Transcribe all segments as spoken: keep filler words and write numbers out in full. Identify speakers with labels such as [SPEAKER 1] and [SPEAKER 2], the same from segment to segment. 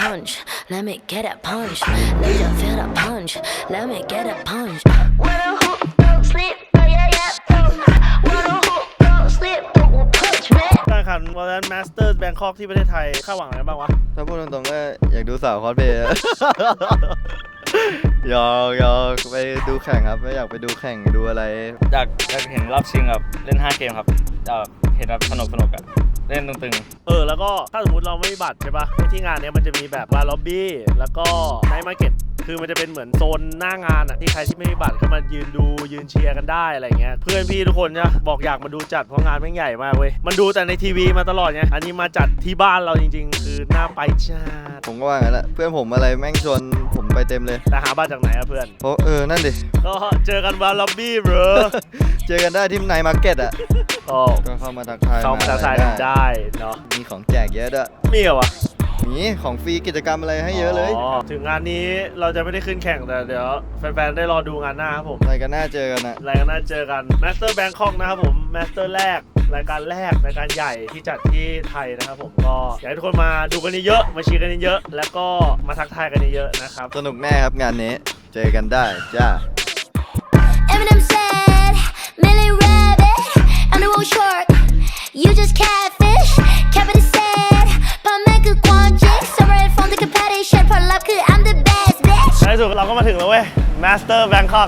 [SPEAKER 1] punch. Let me get a punch. Let you feel the punch. Let me get a punch. Wanna hoop, don't sleep, oh yeah yeah. Wanna hoop, don't sleep, don't punch man.
[SPEAKER 2] การแข่งขัน Valorant Masters Bangkok ที่ประเทศไทยคาดหวังอะไรบ้างวะ
[SPEAKER 3] ถ้าพูดตรงๆก็อยากดูสาวคอสเพลย์ อยากอยากไปดูแข่งครับไม่อยากไปดูแข่งดูอะไร
[SPEAKER 4] อยากอยากเห็นรอบชิงแบบเล่นห้าเกมครับอยากเห็นแบบสนุกสนุกอะเล่นตึงๆ
[SPEAKER 2] เออแล้วก็ถ้าสมมติเราไม่มีบัตรใช่ปะที่งานเนี้ยมันจะมีแบบบาร์ล็อบบี้แล้วก็ไนท์มาร์เก็ตคือมันจะเป็นเหมือนโซนหน้างานอ่ะที่ใครที่ไม่มีบัตรเข้ามายืนดูยืนเชียร์กันได้อะไรเงี้ยเพื่อนพี่ทุกคนเนี่ยบอกอยากมาดูจัดเพราะงานแม่งใหญ่มากเว้ยมันดูแต่ในทีวีมาตลอดไงอันนี้มาจัดที่บ้านเราจริงๆคือน่าไปจัด
[SPEAKER 3] ผมก็ว่างั้นแหละเพื่อนผมอะไรแม่งชวนผมไปเต็มเลย
[SPEAKER 2] แต่หาบัตรจากไหนอะเพื่อน
[SPEAKER 3] เพราะเออนั่นดิ
[SPEAKER 2] ก็เจอกันบาร์ล็อบบี้เบรอ
[SPEAKER 3] เจอกันได้ที่ไนท์มาร์เก็ตอ่ะ
[SPEAKER 2] ก็
[SPEAKER 3] ก็เข้ามาทักทาย
[SPEAKER 2] เข้ามาทักทายกันได้เนาะ
[SPEAKER 3] มีของแจกเยอะด้วย
[SPEAKER 2] มีเหรอวะ
[SPEAKER 3] มีของฟรีกิจกรรมอะไรให้เยอะเลย
[SPEAKER 2] ถึงงานนี้เราจะไม่ได้ขึ้นแข่งแต่เดี๋ยวแฟนๆได้รอดูงานหน้าครับผม
[SPEAKER 3] อะไรกันน่าเจอกันอะ
[SPEAKER 2] อะไรกันน่าเจอกัน Master Bangkok นะครับผม Master แรกรายการแรกรายการใหญ่ที่จัดที่ไทยนะครับผมก็อยากให้ทุกคนมาดูกันเยอะมาเชียร์กันเยอะแล้วก็มาทักทายกันเยอะนะครับ
[SPEAKER 3] สนุกแน่ครับงานนี้เจอกันได้จ้า
[SPEAKER 1] Eminem said, Millie Rabbit, I'm the old shark. You just catfish. Kevin said, พ่อแม่คือความจริง Summer and phone ที่คือ competition ผลลัพธ์คือ I'm the best bitch.
[SPEAKER 2] ในที่สุดเราก็มาถึงแล้วเว้ย Master Bangkok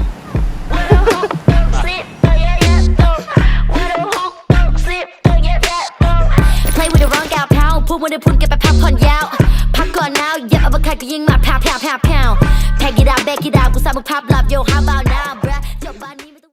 [SPEAKER 1] Play with the wrong gal พาวพูดวันเดียวพูดเก็บไปพักผ่อนยาวพักก่อนnow อย่าเอาไปใครก็ยิงมาแผ่วแผ่วแผ่วแผ่ว Pack it out back it out กูสามึกภาพลับ Yo how about now bro